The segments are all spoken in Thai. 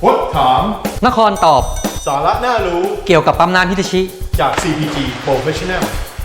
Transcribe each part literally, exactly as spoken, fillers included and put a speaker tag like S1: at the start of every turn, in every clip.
S1: พดถาม
S2: นครตอบ
S1: สาระน่ารู้
S2: เกี่ยวกับปั๊มน้ำฮิตาชิ
S1: จาก ซี พี จี Professional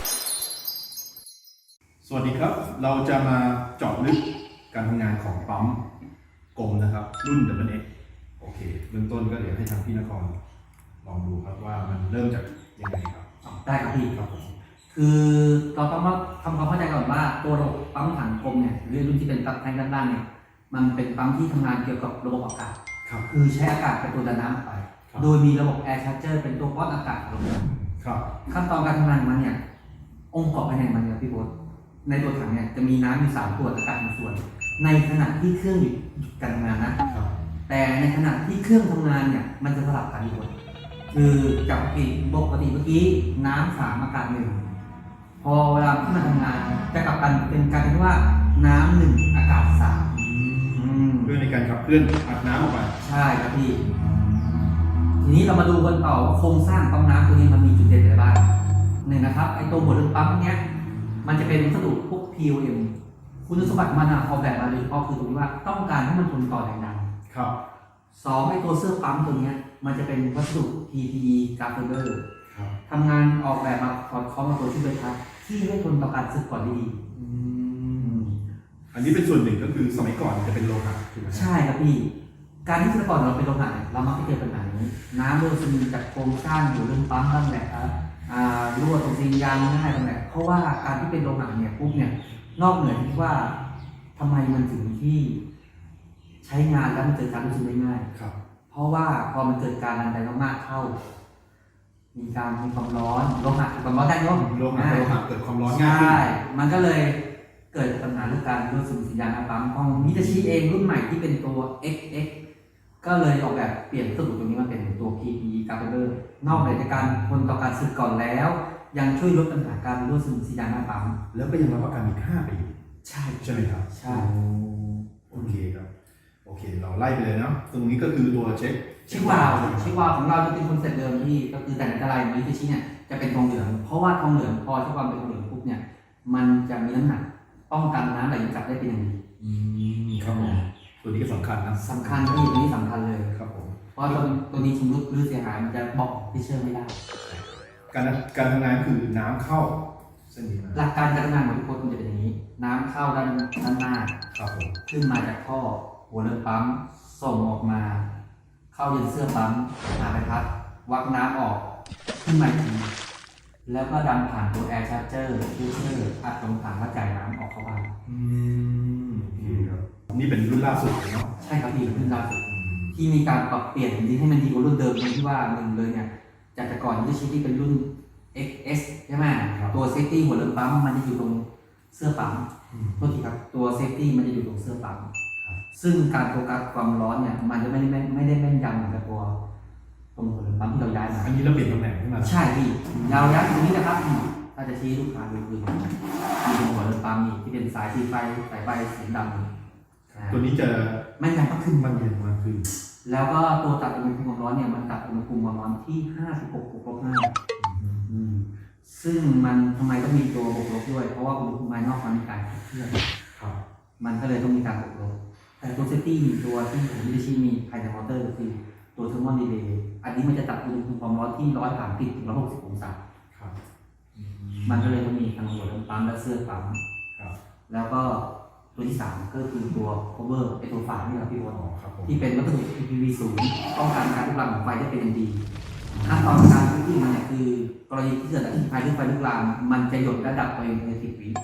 S1: สวัสดีครับเราจะมาเจาะลึกการทำงานของปั๊มกลมนะครับรุ่น ดับเบิลยู เอ็กซ์ โอเคเบื้องต้นก็เดี๋ยวให้ทางพี่นครลองดูครับว่ามันเริ่มจากยังไงครับ
S3: ได้ครับพี่ครับผมคือเราต้องมาทำความเข้าใจก่อนว่าตัวระบบปั๊มถังกลมเนี่ยหรือรุ่นที่เป็นปั๊มแทงด้านล่างเนี่ยมันเป็นปั๊มที่ทำงานเกี่ยวกับระบบอากาศคือใช้อากาศเป็นตัวดันน้ำออกไปโดยมีระบบแอร์ชาร์เจอร์เป็นตัวป้อนอากาศลงมาขั้นตอนการทำงานของมันเนี่ยองค์ประกอบภายในมันเนี่ยพี่โบ๊ทในตัวถังเนี่ยจะมีน้ำอยู่สามส่วนอากาศหนึ่งส่วนในขณะที่เครื่องหยุดการทำงานนะแต่ในขณะที่เครื่องทำงานเนี่ยมันจะสลับกันพี่โบ๊ทคือจากปกติปกติเมื่อกี้น้ำสามอากาศหนึ่งพอเวลาที่มันทำงานจะกลับกันเป็นการที่ว่าน้ำหนึ่งอากาศสาม
S1: เพื่อในการขับเคลื่อนอัดน้ำออกไป
S3: ใช่ครับพี่ทีนี้เรามาดูกันต่อว่าโครงสร้างปั๊มน้ำตัวนี้มันมีจุดเด่นอะไรบ้างหนึ่งนะครับไอตัวหัวเรือปั๊มเนี้ยมันจะเป็นวัสดุพวก พี โอ เอ็ม คุณสมบัติมันออกแบบมาโดยเฉพาะคือตรงที่ว่าต้องการให้มันทนต่อแรงดัน
S1: ครับ
S3: สองไอตัวเสื้อปั๊มตัวนี้มันจะเป็นวัสดุ พี พี อี กราฟเฟอร์ทำงานออกแบบมาสอดคล้องกับตัวที่เป็นทับที่ให้ทนต่อการสึกก่อนได้ดี
S1: อันนี้เป็นส่วนหนึ่งก็คือสมัยก่อนจะเป็นโลหะถูกไหม
S3: ใช่ครับพี่การที่สมัยก่อนเราเป็นโลหะเรามักจะเจอปัญหานี้น้ำรั่วซึมจากโครงสร้างอยู่เรื่องปั๊มบ้างแหละครับรั่วตรงซีนยางง่ายตรงไหนเพราะว่าการที่เป็นโลหะเนี่ยปุ๊บเนี่ยนอกเหนือที่ว่าทำไมมันถึงที่ใช้งานแล้วมันเกิดการรั่วซึมได้ง่าย
S1: ครับ
S3: เพราะว่าพอมันเกิดการดันไปมากๆเข้ามีการมีความร้อนโลหะเกิดความร้อนได้ย่อม
S1: โลหะโลหะเกิดความร้อนง่าย
S3: ใช่มันก็เลยเกิดปัญหาเรื่องการรั่วซึมสัญญาณปั๊มของมิตาชิเองรุ่นใหม่ที่เป็นตัว เอ็กซ์ เอ็กซ์ ก็เลยออกแบบเปลี่ยนวัสดุตรงนี้มาเป็นตัว พี พี อี กราฟเฟอร์นอกจากการทนต่อการสึกก่อนแล้วยังช่วยลดปัญหาการรั่วซึมสัญญาณปั๊ม
S1: แล้วก็ยังรับประกันอีกห้าปี
S3: ใช่
S1: ใช่ไหมครับ
S3: ใช่
S1: โอเคครับโอเคเราไล่ไปเลยเนาะตรงนี้ก็คือตัวเช็ค
S3: เช็ควาล์วเช็ควาล์วของเราจะเป็นคอนเซ็ปต์เดิมที่ก็คือแต่ในตารางมิตาชิเนี่ยจะเป็นทองเหลืองเพราะว่าทองเหลืองพอเช็ควาล์วเป็นทองเหลืองปุ๊บเนี่ยมันจะมีน้ำหนักป้องกันน้ำไหลกลับได้เป็นอย่างดี
S1: ครับผมตัวนี้ก็สำคัญนะ
S3: สำคัญที่ตัวนี้สำคัญเลย
S1: ครับผม
S3: เพราะตัวตัวนี้ชำรุดหรือเสียหายมันจะบอกที่เชื่อไม่ได้
S1: การการทำงานคือน้ำเข้าเส้นนี้
S3: หลักการการทำงานของทุกคนจะเป็นอย่างนี้น้ำเข้าด้านด้านหน้า
S1: ครับผม
S3: ขึ้นมาจากท่อหัวเรือปั๊มส่งออกมาเข้ายันเสื้อปั๊มหาใบพัดวักน้ำออกขึ้นมาอีกทีแล้วก็ดันผ่านตัวแอร์ชาร์เจอร์ฟิลเตอร์อัดลงถังแล้วจ่ายน้ำออกเข้าบ้าน
S1: อืมโอเคครับนี่เป็นรุ่นล่าสุดเนาะ
S3: ใช่ครับพี่รุ่นล่าสุดที่มีการปรับเปลี่ยนจริงให้มันดีกว่ารุ่นเดิมตรงที่ว่าหนึ่งเลยเนี่ยจากแต่ก่อนที่ชิ้นที่เป็นรุ่น เอ็กซ์ เอส ใช่ไหมตัวเซฟตี้หัวเรือปั๊มมันจะอยู่ตรงเสื้อปั๊มโทษทีครับตัวเซฟตี้มันจะอยู่ตรงเสื้อปั๊มซึ่งการโฟกัสความร้อนเนี่ยมันจะไม่ได้ไม่ได้แม่นยำเหมือนกับตัวตรงหัวเรือปั๊มที่เราย้ายมา
S1: อันนี้เราเปลี่ยนตำแหน่งขึ้นมา
S3: ใช่พี่เราย้ายตรงนี้นะครับถ้าจะชี้ลูกค้าดูคือมีตรงหัวเรือปั๊มนี่ที่เป็นสายสีไฟสายไฟสีดำ
S1: ตัวนี้จะ
S3: แม่นยำมากขึ้น
S1: มันเย็นมากขึ้น
S3: แล้วก็ตัวตัดอุณหภูมิความร้อนเนี่ยมันตัดอุณหภูมิความร้อนที่ห้าสิบหกบวกลบห้าซึ่งมันทำไมต้องมีตัวบวกลบด้วยเพราะว่าอุณหภูมิภายนอกมันมีการเคลื่อนมันก็เลยต้องมีการบวกลบแต่ตัวเซฟตี้ตัวที่ผมไม่ได้ชี้มีภายในมอเตอร์ก็คือตัวเทอร์โมดีเลย์อันนี้มันจะตัดอุณหภูมิความร้อนที่ร้อยสามสิบถึงร้อยหกสิบองศามันก็เลยต้องมีทั้งหัวเรือปั๊มและเสื้อปั๊มแล้วก็ตัวที่สามก็คือตัว cover เป็นตัวฝานี่แหละพี่วอนที่เป็นวัสดุ พี พี วี สูงป้องกันการลุกลามของไฟได้เป็นอย่างดีขั้นตอนการพื้นที่มันเนี่ยคือกรณีที่เกิดอัคคีภัยหรือไฟลุกลามมันจะหยดระดับตัวเองในสิบวิ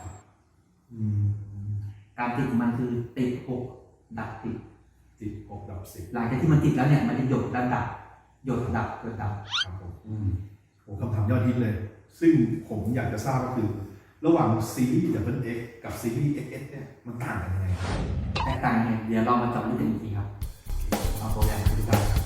S3: การติดมันคือติดหกดับติด
S1: ติดหกดับสิบ
S3: หลังจากที่มันติดแล้วเนี่ยมันจะหยดระดับหยดดับเกิดดับ
S1: ครับผมโอ้คำถามยอดฮิตเลยซึ่งผมอยากจะทราบก็คือระหว่างซีรีส์ ดับเบิลยู เอ็กซ์ กับซีรีส์ เอ็กซ์ เอส เนี่ยมันต่างกันยังไง
S3: แตกต่างยังไงเดี๋ยวเรามาเจาะลึกกันอีกทีครับเอาตัวอย่างให้ดูกัน